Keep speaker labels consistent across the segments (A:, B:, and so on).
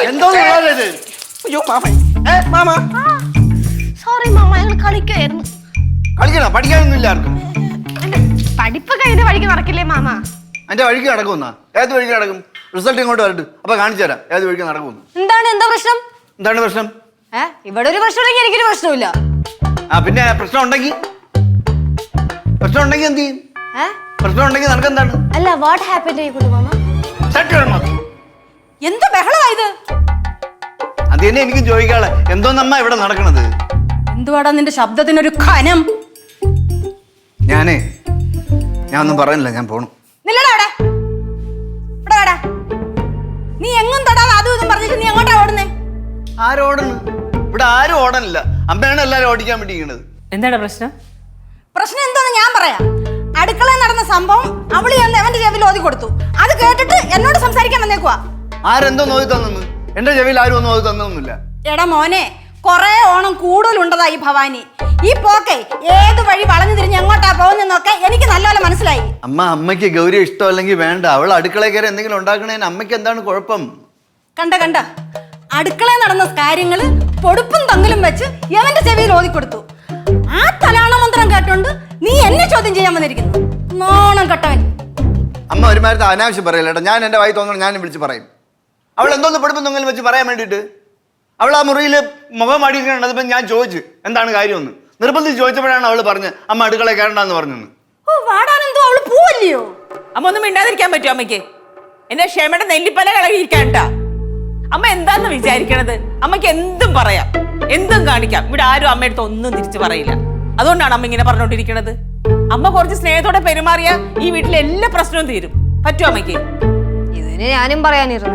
A: എന്തോ അയ്യോ mama
B: sorry mama, ഞങ്ങൾ കളിക്കായിരുന്നു.
A: കളിക്കണം, പഠിക്കാനൊന്നും ഇല്ല ആർക്കും.
B: പഠിപ്പൊക്കെ അതിന്റെ വഴിക്ക് നടക്കില്ലേ മാമ?
A: എന്റെ വഴിക്ക് നടക്കുമെന്നാ? ഏത് വഴിക്ക് നടക്കും? റിസൾട്ട് ഇങ്ങോട്ട് വരട്ടെ, അപ്പൊ കാണിച്ചു തരാം ഏത് വഴിക്ക് നടക്കുമെന്ന്.
C: എന്താ പ്രശ്നം?
A: എന്താണ് പ്രശ്നം?
C: ഇവിടെ ഒരു പ്രശ്നമുണ്ടെങ്കിൽ എനിക്കൊരു പ്രശ്നമില്ല.
A: പിന്നെ പ്രശ്നം ഉണ്ടെങ്കിൽ എന്ത് ചെയ്യും? പ്രശ്നം ഉണ്ടെങ്കിൽ നടക്കെന്താണ്?
B: അല്ല, വാട്ട് ഹാപ്പൻഡ് ആയിക്കോട്ടെ മാമ.
C: എന്ത് ബഹളമായത്?
A: അത് തന്നെ എനിക്ക് ചോദിക്കാളെ, എന്തോന്നമ്മ ഇവിടെ നടക്കണത്?
C: എന്തുവാടാ നിന്റെ ശബ്ദത്തിനൊരു ഖനം?
A: ഞാൻ ഒന്നും പറയുന്നില്ല, ഞാൻ പോണു.
C: നീ എങ്ങും തൊടാതെ അതും ഇതും പറഞ്ഞിട്ട് നീ എങ്ങോട്ടാ ഓടുന്നേ?
A: ആരോടുന്നു? ഇവിടെ ആരും ഓടണില്ല, അമ്മയാണ് എല്ലാരും ഓടിക്കാൻ വേണ്ടിയിരിക്കണത്.
D: എന്താണ് പ്രശ്നം?
C: പ്രശ്നം എന്താന്ന് ഞാൻ പറയാം. അടുക്കളയിൽ നടന്ന സംഭവം അവള് എവന്റെ ചെവിയിൽ ഓതി കൊടുത്തു. അത് കേട്ടിട്ട് എന്നോട് സംസാരിക്കാൻ വന്നേക്കുവാ.
A: ആരെന്തോ നോക്കി തന്നു? എന്റെ ചെവിയിൽ ആരും ഒന്നും നോക്കി തന്നൊന്നുമില്ല.
C: എടാ മോനെ, കൊറേ ഓണം കൂടുതലുണ്ടതാ ഈ ഭവാനി. ഈ പോക്കെ ഏത് വഴി വളഞ്ഞു തിരിഞ്ഞ് എങ്ങോട്ടാ പോകുന്നൊക്കെ എനിക്ക് നല്ലപോലെ മനസ്സിലായി.
A: അമ്മയ്ക്ക് ഗൗരി ഇഷ്ടമല്ലെങ്കിൽ വേണ്ട, അവൾ അടുക്കളയിൽ കയറി എന്തെങ്കിലും ഉണ്ടാക്കണേന് അമ്മയ്ക്ക് എന്താണ് കുഴപ്പം?
C: കണ്ട അടുക്കളയിൽ നടന്ന കാര്യങ്ങള് പൊടുപ്പും തങ്ങലും വെച്ച് എവന്റെ ചെവിയിൽ ഓതിക്കൊടുത്തു. ആ തലാണ മന്ത്രം കേട്ടോണ്ട് നീ എന്നെ ചോദ്യം ചെയ്യാൻ വന്നിരിക്കുന്നു. നോണം കെട്ടവൻ.
A: അമ്മ ഒരുമാതിരി അനാവശ്യം പറയല്ലേട്ടാ. ഞാൻ എന്റെ വായി തോന്നണം, ഞാൻ വിളിച്ച് പറയും. അവൾ എന്തോന്ന് പൊടുപ്പും തൊങ്ങലും വെച്ച് പറയാൻ വേണ്ടിയിട്ട് അവൾ ആ മുറിയിൽ മുഖം അടിക്കണത് ഞാൻ ചോദിച്ചു എന്താണ് കാര്യമെന്ന്. നിർബന്ധിച്ച് ചോദിച്ചപ്പോഴാണ് അവള് പറഞ്ഞത് അമ്മ അടുക്കള കയറണ്ടെന്ന് പറഞ്ഞെന്ന്.
C: അവള് പോവല്ലയോ?
D: അമ്മ ഒന്നും മിണ്ടാതിരിക്കാൻ പറ്റുമോ അമ്മയ്ക്ക്? എന്റെ ക്ഷമയുടെ നെല്ലിപ്പല കളകിയിരിക്കാണ്ടാ. അമ്മ എന്താന്ന് വിചാരിക്കണത്? അമ്മയ്ക്ക് എന്തും പറയാം, എന്തും കാണിക്കാം. ഇവിടെ ആരും അമ്മയടുത്ത് ഒന്നും തിരിച്ചു പറയില്ല. അതുകൊണ്ടാണ് അമ്മ ഇങ്ങനെ പറഞ്ഞോണ്ടിരിക്കണത്. അമ്മ കുറച്ച് സ്നേഹത്തോടെ പെരുമാറിയ ഈ വീട്ടിലെ എല്ലാ പ്രശ്നവും തീരും. പറ്റുമോ അമ്മയ്ക്ക്?
C: ഇതിന് ഞാനും പറയാനിരുന്നേ.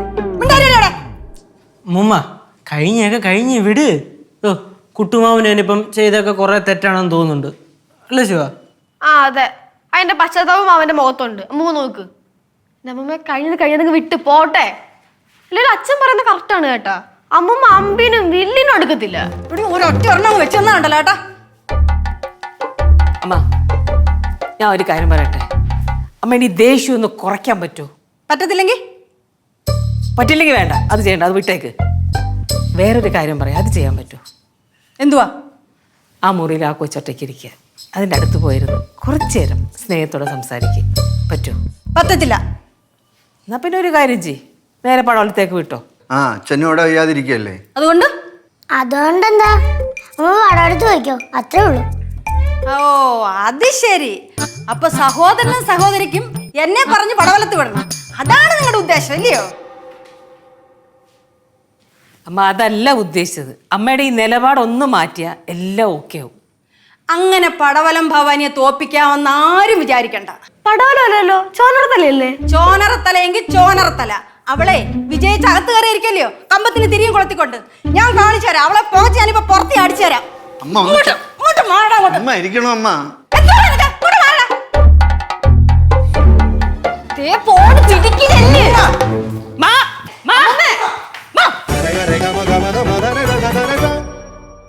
E: മുമ്മ കഴിഞ്ഞ് വിട്. കുട്ടുമാവനിപ്പം ചെയ്തൊക്കെ കുറെ തെറ്റാണെന്ന് തോന്നുന്നുണ്ട്, അല്ലേ ശിവ?
B: അതെ, അതിന്റെ പശ്ചാത്താപം അവന്റെ മുഖത്തുണ്ട്. അമ്മ നോക്ക്, നമ്മ കഴിഞ്ഞത് വിട്ട് പോട്ടെ. അല്ലെങ്കിൽ അച്ഛൻ പറയുന്നത് കറക്റ്റാണ് കേട്ടാ. അമ്മൂമ്മ അമ്പിനും വില്ലിനും എടുക്കത്തില്ല.
C: ഒരൊറ്റ ഒരെണ്ണം വെച്ചെന്നാണ്ടല്ലോ കേട്ടാ.
D: അമ്മ, ഞാൻ ഒരു കാര്യം പറയട്ടെ. അമ്മ ഇനി ദേഷ്യം ഒന്ന് കുറയ്ക്കാൻ പറ്റുമോ? പറ്റില്ലെങ്കിൽ വേണ്ട, അത് ചെയ്യണ്ട, അത് വിട്ടേക്ക്. വേറൊരു കാര്യം പറയാം, അത് ചെയ്യാൻ പറ്റുമോ?
C: എന്തുവാ?
D: ആ മുറിയിൽ ആ കൊച്ചൊറ്റയ്ക്ക് ഇരിക്കുക, അതിൻ്റെ അടുത്ത് പോയിരുന്നു കുറച്ചു നേരം സ്നേഹത്തോടെ സംസാരിക്കുക. പറ്റുമോ?
C: പറ്റത്തില്ല.
D: എന്നാ പിന്നെ ഒരു കാര്യം ചെയ്യ്, നേരെ പടവലത്തേക്ക് വിട്ടോ.
A: അച്ഛനോടെ വയ്യാതിരിക്കല്ലേ?
B: അതുകൊണ്ടെന്താ അമ്മ പടവലത്ത് വയ്ക്കോ, അത്രേ ഉള്ളൂ.
C: ഓ അത് ശരി. അപ്പൊ സഹോദരനും സഹോദരിക്കും എന്നെ പറഞ്ഞ് പടവലത്ത് വിടണം, അതാണ് നിങ്ങളുടെ ഉദ്ദേശം അല്ലയോ?
D: അമ്മ അതല്ല ഉദ്ദേശിച്ചത്. അമ്മയുടെ ഈ നിലപാടൊന്നും മാറ്റിയാ എല്ലാം ഓക്കെ ആവും.
C: അങ്ങനെ പടവലം ഭവാനിയെ തോപ്പിക്കാമെന്ന് ആരും വിചാരിക്കണ്ട.
B: പടവലല്ലോ, ചോനറത്തലയല്ലേ?
C: ചോനറത്തലയെങ്കിൽ ചോനറത്തല. അവളെ വിജയിച്ച് അകത്ത് കയറിയിരിക്കല്ലയോ കമ്പത്തിന് തിരിയും കൊളുത്തിക്കൊണ്ട്. ഞാൻ കാണിച്ചു തരാം അവളെ പോച്ച്. ഞാനിപ്പോ പുറത്തി അടിച്ചു തരാം.
A: അമ്മ